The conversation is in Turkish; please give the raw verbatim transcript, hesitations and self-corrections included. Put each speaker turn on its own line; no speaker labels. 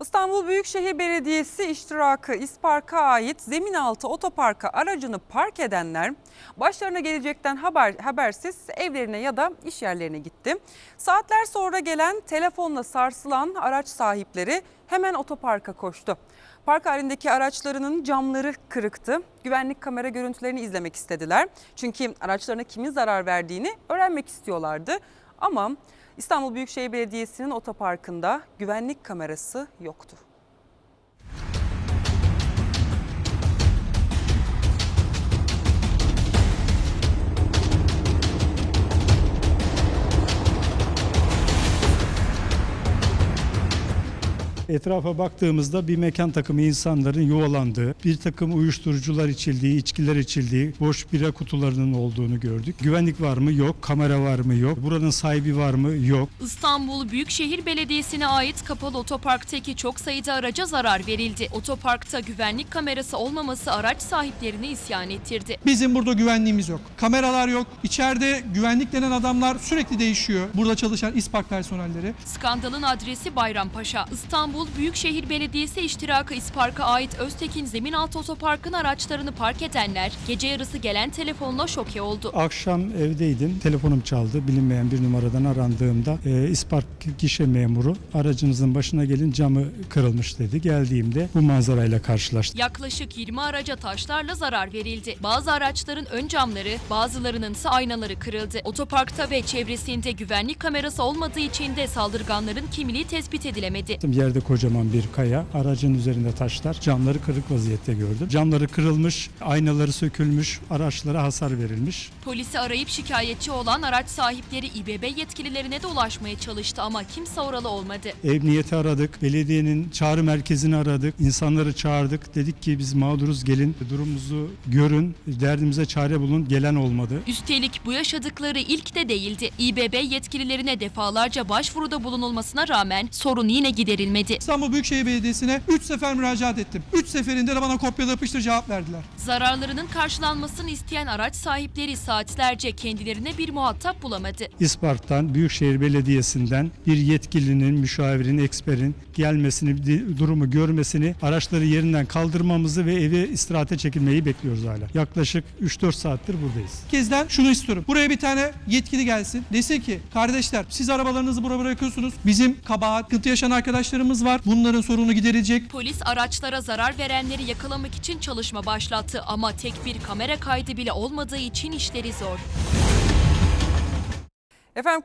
İstanbul Büyükşehir Belediyesi iştirakı İspark'a ait zemin altı otoparka aracını park edenler başlarına gelecekten haber, habersiz evlerine ya da iş yerlerine gitti. Saatler sonra gelen telefonla sarsılan araç sahipleri hemen otoparka koştu. Park halindeki araçlarının camları kırıktı. Güvenlik kamera görüntülerini izlemek istediler. Çünkü araçlarına kimin zarar verdiğini öğrenmek istiyorlardı. Ama İstanbul Büyükşehir Belediyesi'nin otoparkında güvenlik kamerası yoktu.
Etrafa baktığımızda bir mekan takımı insanların yuvalandığı, bir takım uyuşturucular içildiği, içkiler içildiği, boş bira kutularının olduğunu gördük. Güvenlik var mı? Yok. Kamera var mı? Yok. Buranın sahibi var mı? Yok.
İstanbul Büyükşehir Belediyesi'ne ait kapalı otoparktaki çok sayıda araca zarar verildi. Otoparkta güvenlik kamerası olmaması araç sahiplerini isyan ettirdi.
Bizim burada güvenliğimiz yok. Kameralar yok. İçeride güvenlik denen adamlar sürekli değişiyor. Burada çalışan İSPAK personelleri.
Skandalın adresi Bayrampaşa. İstanbul Büyükşehir Belediyesi iştirakı İspark'a ait Öztekin Zeminaltı Otopark'ın araçlarını park edenler gece yarısı gelen telefonla şoke oldu.
Akşam evdeydim. Telefonum çaldı. Bilinmeyen bir numaradan arandığımda e, İspark gişe memuru aracınızın başına gelin camı kırılmış dedi. Geldiğimde bu manzarayla karşılaştım.
Yaklaşık yirmi araca taşlarla zarar verildi. Bazı araçların ön camları, bazılarının ise aynaları kırıldı. Otoparkta ve çevresinde güvenlik kamerası olmadığı için de saldırganların kimliği tespit edilemedi.
Yerde kocaman bir kaya, aracın üzerinde taşlar, camları kırık vaziyette gördüm. Camları kırılmış, aynaları sökülmüş, araçlara hasar verilmiş.
Polisi arayıp şikayetçi olan araç sahipleri İBB yetkililerine de ulaşmaya çalıştı ama kimse oralı olmadı.
Emniyeti aradık, belediyenin çağrı merkezini aradık, insanları çağırdık. Dedik ki biz mağduruz, gelin durumumuzu görün, derdimize çare bulun, gelen olmadı.
Üstelik bu yaşadıkları ilk de değildi. İBB yetkililerine defalarca başvuruda bulunulmasına rağmen sorun yine giderilmedi.
İstanbul Büyükşehir Belediyesi'ne üç sefer müracaat ettim. üç seferinde de bana kopyala yapıştır cevap verdiler.
Zararlarının karşılanmasını isteyen araç sahipleri saatlerce kendilerine bir muhatap bulamadı.
İspark'tan, Büyükşehir Belediyesi'nden bir yetkilinin, müşavirin, eksperin gelmesini, durumu görmesini, araçları yerinden kaldırmamızı ve eve istirahate çekilmeyi bekliyoruz hala. Yaklaşık üç dört saattir buradayız.
Kezden şunu istiyorum. Buraya bir tane yetkili gelsin. Desin ki kardeşler siz arabalarınızı buraya bırakıyorsunuz. Bizim kabahat, sıkıntı yaşayan arkadaşlarımız var. Bunların sorunu giderilecek.
Polis araçlara zarar verenleri yakalamak için çalışma başlattı ama tek bir kamera kaydı bile olmadığı için işleri zor.
Efendim